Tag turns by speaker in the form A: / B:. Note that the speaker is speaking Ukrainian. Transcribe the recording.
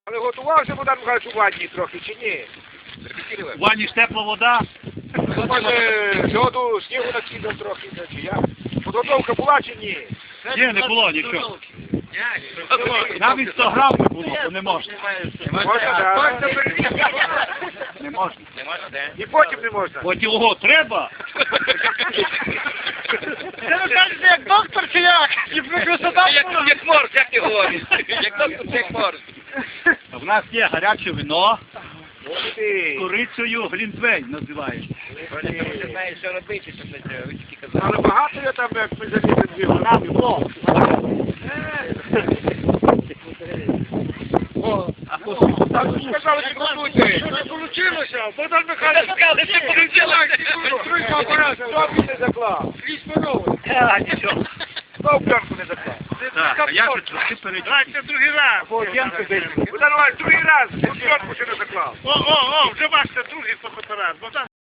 A: Але готувався Богдан Михайлович у ванні трохи, чи ні?
B: В ванні ж тепла вода.
A: Ну, може, льоду, снігу накидав трохи, чи як? Підготовка була чи ні?
B: Ні, не було нічого. Навіть 100 грам не було, то не можна.
A: Можна, так.
B: Не можна.
A: І потім не можна.
B: От його треба.
C: Це ви кажете, як доктор чи як?
D: Як морж, як ти говориш? Як доктор, як морж.
B: В нас є гаряче вино з
A: Ти.
B: корицею, глінтвейн називається.
D: Ти знаєш, що робити, щоб ви тільки казали.
A: Але багато я там, як ми залізли дві.
B: У нас було.
A: Так, сказали, що готуйте. Що не вийшло? Богдан Михайлович,
D: Сказали, що
A: хто він не заклав?
B: Нічого.
A: Хто пленку не заклав?
B: Так, а я вже трошки перейду.
C: Давайте другий раз.
A: Богдан Михайлович, другий раз, пленку ще не заклав.
C: Вже бачите, другий фотоапарат.